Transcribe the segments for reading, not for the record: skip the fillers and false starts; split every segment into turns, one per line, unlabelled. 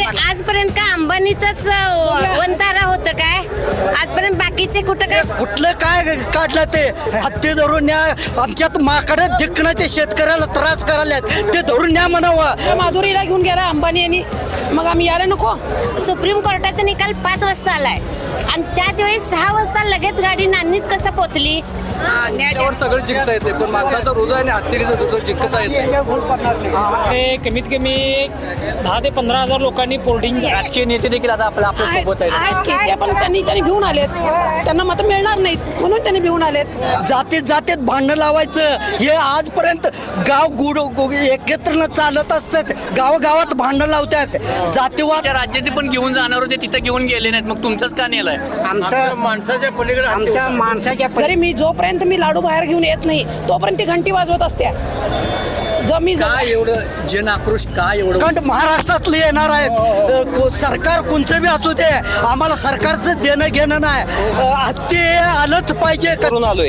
आजपर्यंत का अंबानीचाच वंतारा होतं काय? आजपर्यंत बाकीचे कुठलं काय काढलं ते हत्ती धरून न्या आमच्यात माकडे दिखणं ते शेतकऱ्याला त्रास करायला ते धरून न्या म्हणावं.
माधुरीला घेऊन गेला अंबानी यांनी, मग आम्ही यायला नको.
सुप्रीम कोर्टाचा निकाल 5 वाजता आलाय आणि त्याच वेळी 6 वाजता लगेच गाडी नांदणीत कसं पोहोचली?
त्याच्यावर सगळं जिंकता येते पण माणसाचा हृदय आणि हत्तीचा हृदय जिंकता येते.
कमीत कमी 10 ते 15,000 लोकांनी पोर्टिंग.
राजकीय नेते देखील आता आपल्या सोबत आहेत.
पण त्यांनी घेऊन आलेत, त्यांना मत मिळणार नाहीत म्हणून त्यांनी घेऊन आलेत.
जातीत भांडण लावायचं हे आजपर्यंत गाव गुड एकत्र चालत असतात. गावागावात भांडण लावतात. जातीवाद
राज्यात पण घेऊन जाणार होते तिथे घेऊन गेले नाहीत, मग तुमचंच का नेलंय?
आमच्या माणसाच्या पलीकडे आमच्या माणसाच्या
जरी मी जोपर्यंत मी लाडू बाहेर घेऊन येत नाही तोपर्यंत ती घंटी वाजवत असत्या.
काय एवढं जन आक्रोश काय एवढं?
कारण महाराष्ट्रातले येणार आहेत. सरकार कोणचं बी असू दे आम्हाला सरकारचं देणं घेणं नाही. ते आलंच पाहिजे करून आलोय.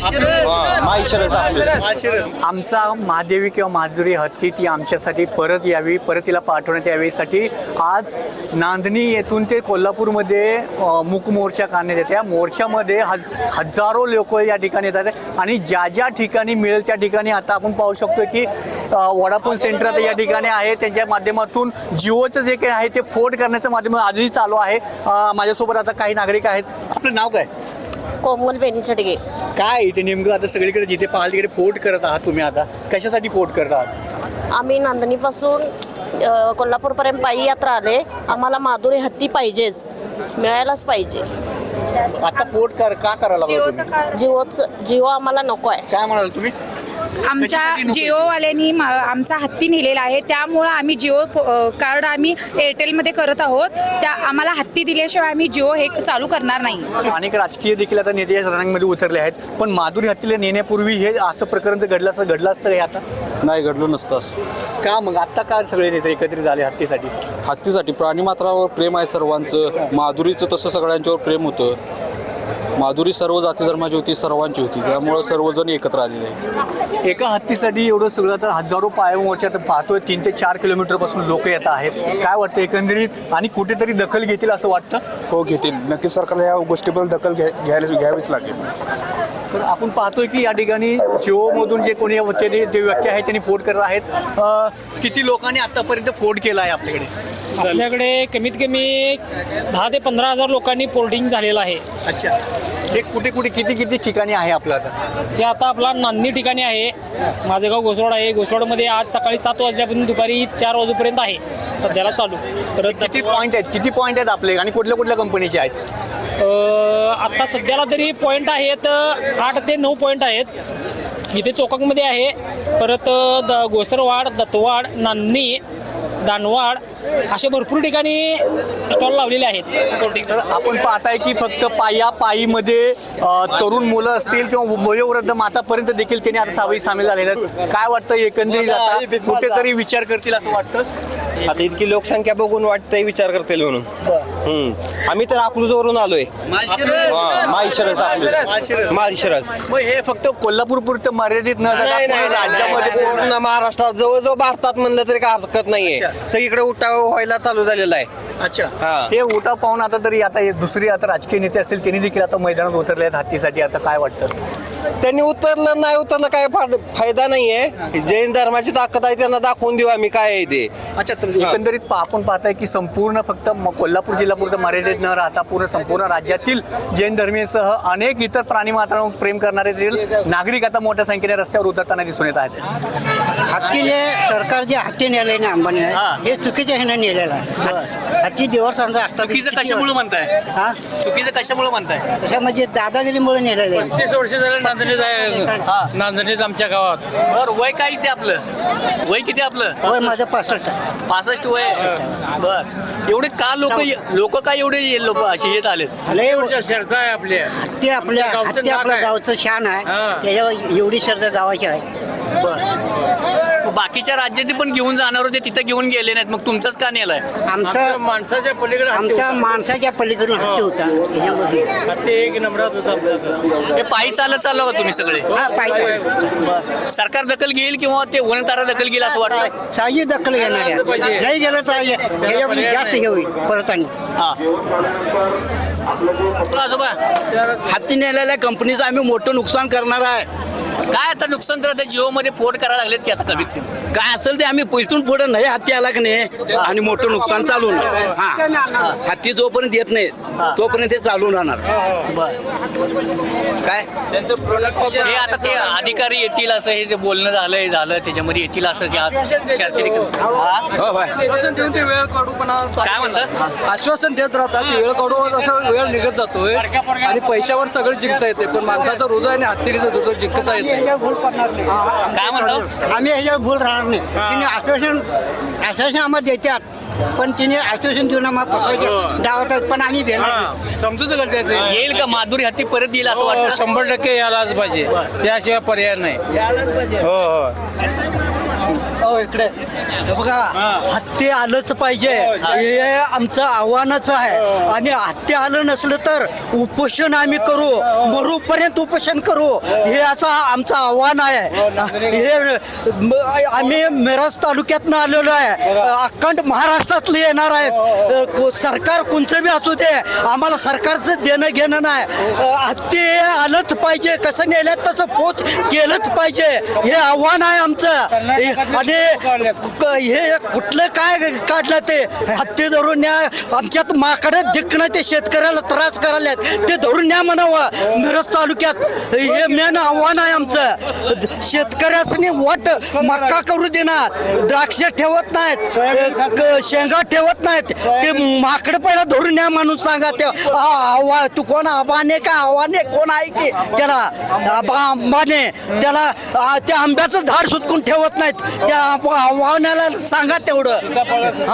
आमचा महादेवी किंवा माधुरी हत्ती ती आमच्यासाठी परत यावी, परत तिला पाठवण्यात यावीसाठी आज नांदणी येथून ते कोल्हापूरमध्ये मूक मोर्चा काढण्यात येते. या मोर्चामध्ये हजारो लोक या ठिकाणी येतात आणि ज्या ठिकाणी मिळेल त्या ठिकाणी आता आपण पाहू शकतो की वडाफोन सेंटर आता या ठिकाणी आहे. त्यांच्या माध्यमातून जिओचं जे काही आहे ते फोड करण्याचं माध्यम आजही चालू आहे. माझ्यासोबत आता काही नागरिक आहेत. आपलं नाव काय?
कोमल बेनीचडगे.
काय इथे नेमकं आता सगळीकडे जिथे पाहाल तिकडे फोड करत आहात तुम्ही, आता कशासाठी फोड करत आहात?
आम्ही नांदणीपासून कोल्हापूरपर्यंत पायी यात्रा आले. आम्हाला माधुरी हत्ती पाहिजेच, मिळायलाच पाहिजे.
आता फोड का करायला?
जिओ आम्हाला नको आहे.
काय म्हणाल तुम्ही?
आमच्या जिओवाल्यांनी आमचा हत्ती नेलेला आहे, त्यामुळं आम्ही जिओ कार्ड आम्ही एअरटेलमध्ये करत आहोत. त्या आम्हाला हत्ती दिल्याशिवाय आम्ही जिओ हे चालू करणार नाही.
अनेक राजकीय देखील आता नेते या रणांमध्ये उतरले आहेत, पण माधुरी हत्तीला नेण्यापूर्वी हे असं प्रकरण जर घडलं असतं हे आता
नाही घडलं नसतं असं.
का मग आता का सगळे नेते एकत्रित झाले हत्तीसाठी?
हत्तीसाठी प्राणीमात्रावर प्रेम आहे सर्वांचं. माधुरीचं तसं सगळ्यांच्यावर प्रेम होतं. माधुरी सर्व जाती धर्माची होती, सर्वांची होती, त्यामुळे सर्वजण एकत्र आलेले आहे.
एका हत्तीसाठी एवढं सगळं तर हजारो पायमोर्चात पाहतोय. 3 ते 4 किलोमीटरपासून लोक येत आहेत. काय वाटतं एकंदरीत आणि कुठेतरी दखल घेतील असं वाटतं?
हो घेतील नक्कीच. सरकारला या गोष्टीबद्दल दखल घ्यावीच लागेल.
तर आपण पाहतोय की या ठिकाणी जिओमधून जे कोणी ते व्यक्ती आहेत त्यांनी फोड करत आहेत. किती लोकांनी आतापर्यंत फोड केला आहे आपल्याकडे?
आपल्याकडे कमीत कमी 10 ते 15,000 लोकांनी पोर्टिंग झालेलं आहे.
अच्छा, हे कुठे किती ठिकाणी आहे आपलं आता?
ते आता आपला नांदणी ठिकाणी आहे. माझं गाव घोसवाड आहे. घोसवाडमध्ये आज सकाळी 7 वाजल्यापासून दुपारी 4 वाजेपर्यंत आहे सध्याला चालू. परत
किती पॉईंट आहेत आपले आणि कुठल्या कंपनीचे आहेत?
आता सध्याला तरी पॉईंट आहेत 8 ते 9 पॉईंट आहेत. इथे चोकाकमध्ये आहे. परत गोसरवाड, दत्तवाड, नांदणी, दानवाड असे भरपूर ठिकाणी स्टॉल लावलेले आहेत.
आपण पाहताय की फक्त पायीमध्ये तरुण मुलं असतील किंवा वयोवृद्ध मातापर्यंत देखील त्यांनी आता सामील झालेले आहेत. काय वाटतं एकंदरीत आता कुठेतरी विचार करतील असं वाटतं?
आता इतकी लोकसंख्या बघून वाटतंय विचार करतील म्हणून. आम्ही तर अकलूजवरून आलोय. माळशिरस.
मग हे फक्त कोल्हापूर पुरतं मर्यादित न
राज्यामध्ये पूर्ण महाराष्ट्रात जवळजवळ भारतात म्हणलं तरी काय हरकत नाहीये. सगळीकडे उठाव व्हायला चालू झालेला आहे.
अच्छा, हे उठाव पाहून आता तरी आता दुसरी आता राजकीय नेते असतील त्यांनी देखील आता मैदानात उतरले आहेत हत्तीसाठी. आता काय वाटतं?
त्यांनी उतरलं नाही उतरलं काय फायदा नाहीये. जैन धर्माची ताकद आहे त्यांना दाखवून देऊ आम्ही काय आहे ते.
अच्छा, तर एकंदरीत आपण पाहताय की संपूर्ण फक्त कोल्हापूर जिल्ह्यापुरतं मर्यादित न राहता संपूर्ण राज्यातील जैन धर्मीयसह अनेक इतर प्राणीमात्रांवर प्रेम करणारे नागरिक आता मोठ्या संख्येने रस्त्यावर उतरताना दिसून येत आहेत.
हत्तीने सरकार जे हत्ती नेलंय ना अंबानी हे चुकीच्या ह्यानं नेलेलं आहे. हत्ती देवस्थान असतात.
चुकीचं कशामुळे म्हणताय? चुकीचं कशामुळे म्हणताय?
म्हणजे दादागिरीमुळे नेलेलं आहे.
35 वर्ष झालं नांदणीच आमच्या गावात.
बरं, वय काय इथे आपलं? वय किती आपलं?
होय माझं 65 आहे.
65 वय. बर, एवढे का लोक काय एवढे लोक असे येत आलेत?
शर्त आहे आपली.
हत्ती आपल्या गावचं शान आहे. त्याच्यावर एवढी शर्त गावाची आहे.
बर, मग बाकीच्या राज्यात पण घेऊन जाणार होते, तिथं घेऊन गेले नाहीत, मग तुमचंच का नेलाय?
आमच्या माणसाच्या पलीकडे
आमच्या माणसाच्या पलीकडून हत्ती होता
हत्ती एक नंबरात होता आमच्या.
हे पायी चालत चाललं का तुम्ही सगळे? बरं. सरकार दखल घेईल किंवा ते वनतारा दखल घेईल असं वाटतं?
शाही दखल घेणार आहे. नाही गेलं तर ह्याच्यामध्ये जास्त हे होईल परत आणि
हा आजोबा,
हत्ती नेलेल्या कंपनीचं आम्ही मोठं नुकसान करणार आहे.
काय आता नुकसान तर आता जिओ मध्ये पोर्ट करायला लागलेत की आता कमीत कमी
काय असेल ते आम्ही पैसून पुढे नाही हत्ती आला की नाही आणि मोठं नुकसान चालू हा हत्ती जोपर्यंत येत नाही तोपर्यंत ते चालू राहणार. काय
त्यांचं प्रोडक्ट हे आता ते अधिकारी येतील असं हे जे बोलणं झालं त्याच्यामध्ये येतील असं की आज चर्चेने
हो भाई
आश्वासन देऊन ते वेळ काढू पण
काय म्हणतात?
आश्वासन देत राहतात, वेळ काढू असं वेळ निघत जातोय आणि पैशावर सगळं जिंकता येते, पण माणसाचं हृदय आणि हत्तीचं हृदय जिंकता येते.
काय म्हणतो?
आम्ही ह्याच्यावर भूल राहणार नाही. तिने आश्वासन आम्हाला देतात पण तिने आश्वासन देऊन आम्हाला डावतात पण आम्ही देणार.
समजूच करते ते.
येईल का माधुरी हत्ती परत येईल असं वाटतं?
100% यायलाच पाहिजे, त्याशिवाय पर्याय नाही. हो
इकडे बघा हत्ती आलंच पाहिजे हे आमचं आव्हानच आहे. आणि हत्ती आलं नसलं तर उपोषण आम्ही करू, मरूपर्यंत उपोषण करू, हे असं आमचं आव्हान आहे. हे आम्ही मिरज तालुक्यातनं आलेलो आहे, अखंड महाराष्ट्रातले येणार आहेत. सरकार कोणचं बी असू दे, आम्हाला सरकारचं देणं घेणं नाही. हत्ती आलंच पाहिजे, कसं नेल्यात तसं पोच केलंच पाहिजे, हे आव्हान आहे आमचं. आणि हे कुठलं काय काढलं ते हत्ती धरून न्या, आमच्यात माकडे दिखणं ते शेतकऱ्याला त्रास करायला ते धरून न्या म्हणावं मिरज तालुक्यात. हे मेन आव्हान आहे आमचं. शेतकऱ्यासनी वाट मक्का करू देणार, द्राक्ष ठेवत नाहीत, शेंगा ठेवत नाहीत, ते माकडे पहिला धरून न्या म्हणून सांगा. ते तू कोण आबाने का आव्हाने कोण आहे की त्याला आंबाने त्याला त्या आंब्याचं झाड सुटकून ठेवत नाहीत, त्या आव्हानाला सांगा तेवढं.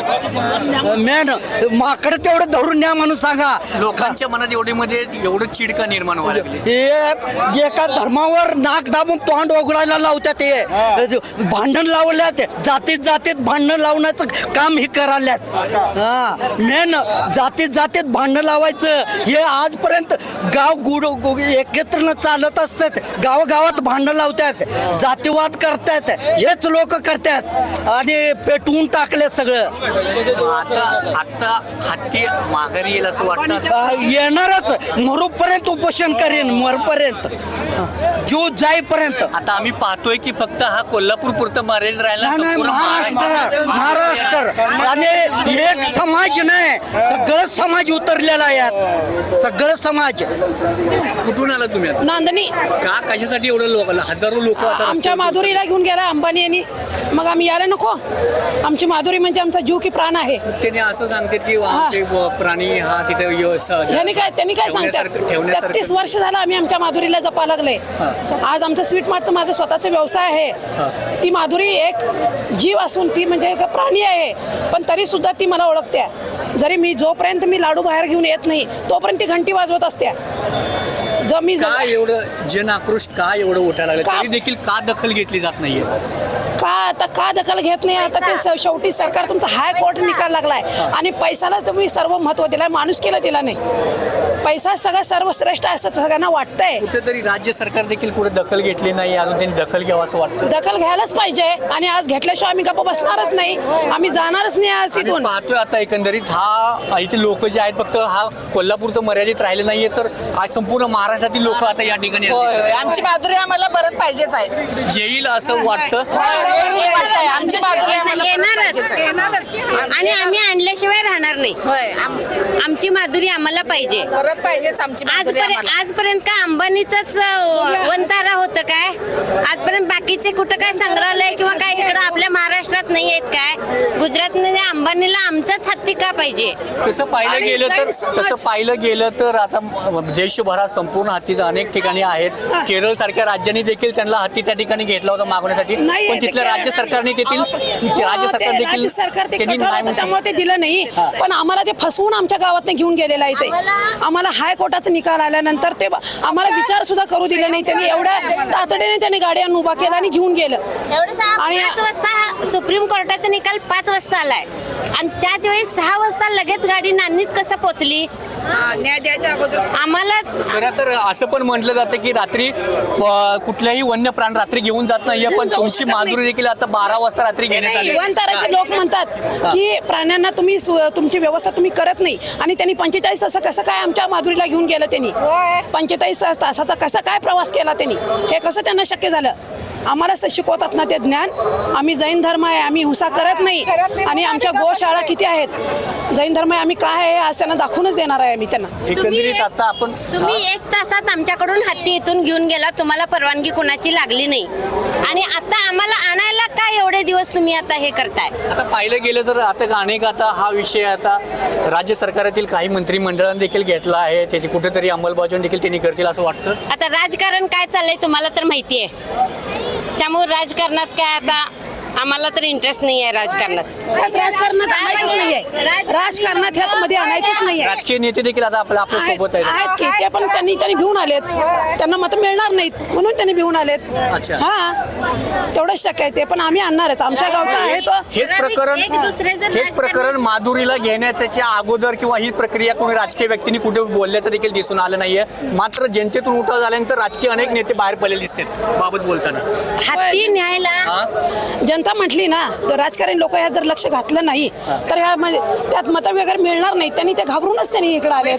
हा मेन माकडे तेवढं धरून न्या म्हणून सांगा.
लोकांच्या मनात एवढं चिडका निर्माण व्हायला लागली.
हे एका धर्मावर नाक दाबून तोंड उघडायला लावतात, हे भांडण लावल्यात, जातीत भांडण लावण्याचं काम हे करायल्यात. हा मेन जातीत भांडण लावायचं हे आजपर्यंत गाव एकत्र चालत असतात. गावागावात भांडण लावतात, जातीवाद करतात, हेच लोक करतात आणि पेटवून टाकले सगळं.
आता हत्ती माघारी येईल असं वाटतं?
येणारच, मरूपर्यंत उपोषण करेन, मरपर्यंत जीव जाईपर्यंत.
आता आम्ही पाहतोय की फक्त हा कोल्हापूर पुरतं मर्यादित राहिला
नाही, महाराष्ट्र आणि एक समाज नाही, सगळं समाज उतरलेला आहे यात, सगळं समाज.
कुठून आला तुम्ही आता?
नांदणी.
का कशासाठी एवढं लोक, हजारो लोक आता
आमच्या माधुरीला घेऊन गेला अंबानी यांनी, मग आम्ही यायला नको. आमची माधुरी म्हणजे आमचा जीव की प्राण आहे.
त्यांनी असं सांगते की आमचे प्राणी हा तिथे
त्यांनी काय सांगतात, 33 वर्ष झालं आम्ही आमच्या माधुरीला जपा लागले. आज आमचं स्वीट मार्टचं माझा स्वतःचा व्यवसाय आहे. ती माधुरी एक जीव असून ती म्हणजे एक प्राणी आहे, पण तरी सुद्धा ती मला ओळखते. जरी मी जोपर्यंत मी लाडू बाहेर घेऊन येत नाही तोपर्यंत ती घंटी वाजवत असते.
का एवढं जन आक्रोश का एवढं उठायला लागलं, तरी देखील का दखल घेतली जात नाहीये?
का दखल घेत नाही? आता ते शेवटी सरकार तुमचा हायकोर्ट निकाल लागलाय आणि पैशाला तुम्ही सर्व महत्व दिलाय, माणुसकीला दिला नाही. पैसा सगळं सर्वश्रेष्ठ असं सगळ्यांना वाटतंय.
कुठेतरी राज्य सरकार देखील कुठे दखल घेतली नाही, अजून त्यांनी दखल घ्यावं असं वाटतं.
दखल घ्यायलाच पाहिजे आणि आज घेतल्याशिवाय आम्ही गप्प बसणारच नाही, आम्ही जाणारच नाही आज तिथून.
पाहतोय आता एकंदरीत हा इथे लोक जे आहेत फक्त हा कोल्हापूर तर मर्यादित राहिले नाहीये, तर आज संपूर्ण महाराष्ट्रातील लोक आता या ठिकाणी
आमची माधुरी आम्हाला परत पाहिजेच आहे.
येईल असं वाटतं.
आमची माधुरी
येणारच आणि आम्ही आणल्याशिवाय राहणार नाही. आमची माधुरी आम्हाला पाहिजे,
परत पाहिजेच आमची.
आजपर्यंत काय अंबानीचाच वंतारा होतं काय? आजपर्यंत बाकीचे कुठं काय संग्रहालय किंवा काय इकडं आपल्या महाराष्ट्रात नाही आहेत काय? गुजरातमध्ये अंबानीला आमचाच हत्ती का पाहिजे?
तसं पाहिलं गेलं तर आता देशभरात संपूर्ण हत्तीचं अनेक ठिकाणी आहेत. केरळ सारख्या राज्यांनी देखील त्यांना हत्ती त्या ठिकाणी घेतला होता मागवण्यासाठी, पण तिथल्या आपल्या राज्य सरकारने देखील राज्य सरकार देखील
राज्य सरकार ते
त्यांनी
कठोर
नाही
होतं,
म्हणून
त्यामुळे ते दिलं नाही. पण आम्हाला ते फसवून आमच्या गावातनं घेऊन गेलेलं आहे ते. आम्हाला हायकोर्टाचा निकाल आल्यानंतर ते आम्हाला विचार सुद्धा करू दिले नाही. त्यांनी एवढ्या तातडीने त्यांनी गाड्या उभा केला आणि घेऊन गेलं.
आणि 5 वाजता सुप्रीम कोर्टाचा निकाल 5 वाजता आलाय आणि त्याच वेळी 6 वाजता लगेच गाडी नांदणीत कसं पोहोचली
न्याय द्यायच्या अगोदर
आम्हाला.
खरं तर असं पण म्हटलं जातं की रात्री कुठल्याही वन्य प्राण रात्री घेऊन जात नाहीये, पण
जाऊ
तुमची
शकत नाही.
माधुरी देखील आता 12 वाजता रात्री घेण्यात आली.
विमानतळाचे लोक म्हणतात की प्राण्यांना तुम्ही तुमची व्यवस्था तुम्ही करत नाही आणि त्यांनी 45 तास कसं काय आमच्या माधुरीला घेऊन गेलं. त्यांनी 45 तासाचा कसा काय प्रवास केला त्यांनी, हे कसं त्यांना शक्य झालं. आम्हाला असं शिकवतात ना ते ज्ञान. आम्ही जैन धर्म आहे, आम्ही हिंसा करत नाही आणि आमच्या गोशाळा किती आहेत, जैन धर्म आहे, आम्ही काय आहे आज त्यांना दाखवूनच देणार आहे आम्ही त्यांना.
एकंदरीत आता आपण
तुम्ही 1 तासात आमच्याकडून हत्ती इथून घेऊन गेला, तुम्हाला परवानगी कुणाची लागली नाही आणि आता आम्हाला आणायला काय एवढे दिवस तुम्ही आता हे करताय.
आता पाहिलं गेलं तर आता अनेक आता हा विषय आता राज्य सरकारातील काही मंत्रिमंडळाने देखील घेतला आहे, त्याची कुठेतरी अंमलबजावणी देखील त्यांनी करतील असं वाटतं.
आता राजकारण काय चाललंय तुम्हाला तर माहिती आहे, त्यामुळे राजकारणात काय आता आम्हाला तर इंटरेस्ट नाही आहे राजकारणात.
राजकारणात आणायचंच नाहीये, राजकारणात ह्यात मध्ये आणायचंच नाहीये.
राजकीय नेते देखील आता आपल्या सोबत आहेत.
आहेत की ते पण त्यांनी भिवून आलेत, त्यांना मत मिळणार नाहीत म्हणून त्यांनी भिवून आलेत.
अच्छा.
हा तेवढंच शक्य आहे ते, पण आम्ही आणणारच. आमच्या गावचा आहे तो.
हेच प्रकरण माधुरीला घेण्याच्या अगोदर किंवा ही प्रक्रिया कोणी राजकीय व्यक्तींनी कुठे बोलल्याचं देखील दिसून आलं नाहीये. मात्र जनतेतून उठाव झाल्यानंतर राजकीय अनेक नेते बाहेर पडलेले दिसतात बाबत बोलताना.
हत्ती न्यायला
जनता म्हटली ना, राजकारणी लोक यात जर लक्ष घातलं नाही तर ह्या त्यात मत वगैरे मिळणार नाही. त्यांनी ते घाबरूनच त्यांनी इकडे आले.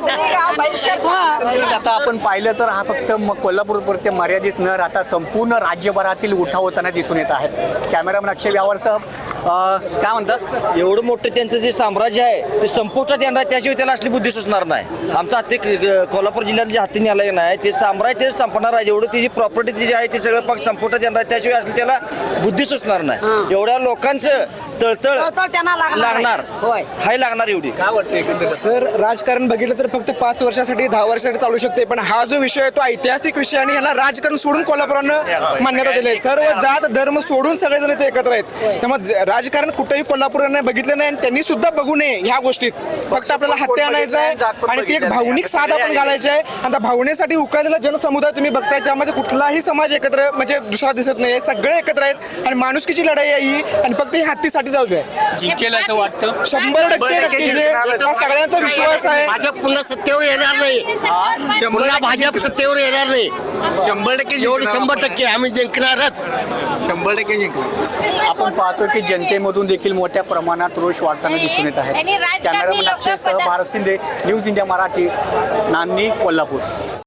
आता आपण पाहिलं तर हा फक्त कोल्हापूरपुरते मर्यादित न राहता संपूर्ण राज्यभरातील उठाव होताना दिसून येत आहे. कॅमेरामन अक्षय व्यावरसह काय म्हणतात,
एवढं मोठं त्यांचं जे साम्राज्य आहे ते संपुष्टात येणार, त्याशिवाय त्याला असली बुद्धी सुचणार नाही. आमचं हत्ती कोल्हापूर जिल्ह्यात जे हत्ती न्यायालय नाही ते साम्राज्य ते संपणार आहे. एवढं त्याची प्रॉपर्टी जी आहे ते सगळं पाक संपुष्टात येणार, त्याशिवाय असली त्याला बुद्धी सुचणार नाही. एवढ्या लोकांचं तळतळ
त्यांना
लागणार, हाय लागणार एवढी.
काय वाटतं
सर, राजकारण बघितलं तर फक्त 5 वर्षासाठी 10 वर्षासाठी चालू शकते, पण हा जो विषय आहे तो ऐतिहासिक विषय आणि ह्याला राजकारण सोडून कोल्हापुरानं मान्यता दिली आहे. सर्व जात धर्म सोडून सगळेजण ते एकत्र आहेत. त्यामुळे राजकारण कुठेही कोल्हापुरानं बघितलं नाही आणि त्यांनी सुद्धा बघू नये ह्या गोष्टीत. फक्त आपल्याला हत्या आणायचं आहे आणि ती एक भावनिक साथ आपण घालायची आहे. आणि त्या भावनेसाठी उकळलेला जनसमुदाय तुम्ही बघताय, त्यामध्ये कुठलाही समाज एकत्र म्हणजे दुसरा दिसत नाही. सगळे एकत्र आहेत आणि माणुसकीची लढाई आहे ही, आणि फक्त ही हत्ती साठी चालू आहे.
जिंकेल असं वाटतं
100% हा सगळ्यांचा विश्वास आहे.
भाजप पुन्हा सत्तेवर येणार नाही, पुन्हा भाजप सत्तेवर येणार नाही. 100% 100% आम्ही जिंकणारच, 100% जिंकणार.
आपण पाहतो की जनतेमधून देखील मोठ्या प्रमाणात रोष वाढताना दिसून येत आहे.
आणि राजकारणी
कॅमेरामन
लोकं
अक्षय सह भारत शिंदे, न्यूज इंडिया मराठी, नांदणी, कोल्हापूर.